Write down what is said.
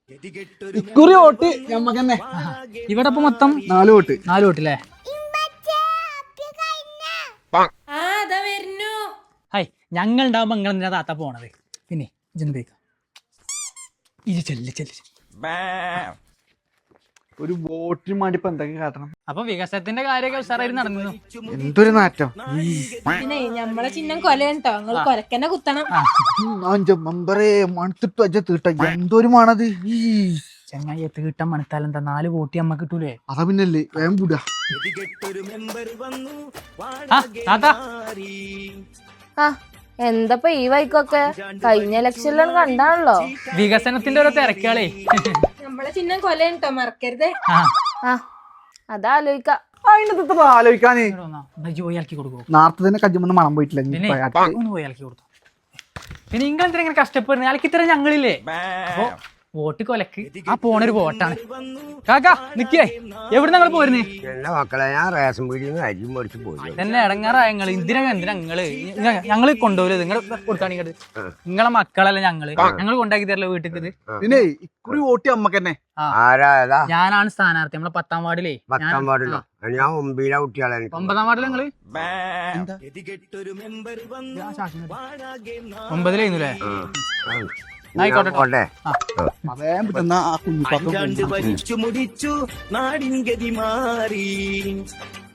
ഇക്കുറി വോട്ട് ഞമ്മക്ക് തന്നെ. ഇവിടെ ഇപ്പൊ മൊത്തം 4 വോട്ട്. 4 വോട്ടല്ലേ? ഹായ്, ഞങ്ങൾ ഉണ്ടാവുമ്പോ നിങ്ങൾ എന്തിനാ താത്ത പോണത്? പിന്നെ ജനതേക്ക ഒരു വോട്ടിന് വേണ്ടി ഇപ്പൊ എന്തൊക്കെ കാട്ടണം? അപ്പൊ വികസനത്തിന്റെ കാര്യമൊക്കെ ഉഷാറായി നടന്നു. എന്തൊരു നാറ്റം. പിന്നെ നമ്മളെ ചിഹ്നം കൊലയുണ്ടോ? നിങ്ങൾ കൊലക്കന്നെ കുത്തണം. മെമ്പറേ മണത്തിട്ട് വെച്ച തീട്ട എന്തൊരു മണത്. ചെങ്ങായി തീട്ടം മണത്താൽ എന്താ 4 വോട്ട് നമ്മക്ക് കിട്ടൂലേ? അതാ പിന്നല്ലേ വേഗം കൂടാ. എന്തപ്പോ ഈ വൈക്കൊക്കെ കഴിഞ്ഞ ഇലക്ഷനിലാണ് കണ്ടാണല്ലോ. വികസനത്തിന്റെ ഓരോ തിരക്കുകളേ. നമ്മളെ ചിഹ്നം കൊലയുണ്ടോ? മറക്കരുതേ. അതാലോചിക്ക. അതിനകത്ത് ആലോചിക്കാന് ജോയി ആക്കി കൊടുക്കോ? നേരത്തെ തന്നെ കജ്ജുമെന്ന് മണം പോയിട്ടില്ല. ഒന്ന് പോയി ആക്കി കൊടുത്തു. പിന്നെ നിങ്ങൾ എന്തിനാ ഇങ്ങനെ കഷ്ടപ്പെടുന്നത്? ആൾക്ക് ഇത്ര ഞങ്ങളില്ലേ? അപ്പൊ വോട്ട് കൊലക്ക് ആ പോണൊരു വോട്ടാണ്. കാക്കാ നിക്കേ, എവിടെ ഞങ്ങൾ പോരുന്നേ? എന്റെ മക്കളെ ഞാൻ റേഷൻ പീടിയിൽ അരി മേടിച്ച് പോയി തന്നെ ഇടങ്ങാറായ എന്തിനാ ഞങ്ങള് കൊണ്ടുപോലും നിങ്ങൾ കൊടുക്കാണെങ്കിൽ നിങ്ങളെ മക്കളല്ല ഞങ്ങൾ കൊണ്ടാക്കി തരല്ലോ വീട്ടിൽ. പിന്നെ ഇക്കുറി വോട്ട് നമ്മക്ക് തന്നെ. ആരാ? ഞാനാണ് സ്ഥാനാർത്ഥി. നമ്മളെ 10ാം വാർഡിലേ. 10ാം വാർഡിലോ? ഞാൻ 9 കുട്ടികളെ. 9ാം വാർഡിൽ നിങ്ങള് 9-ല്ലേ? ആയിക്കോട്ടെ. അതേ കുഞ്ഞിപ്പാക്കും വലിച്ചു മുടിച്ചു നാടിൻ ഗതി മാറി.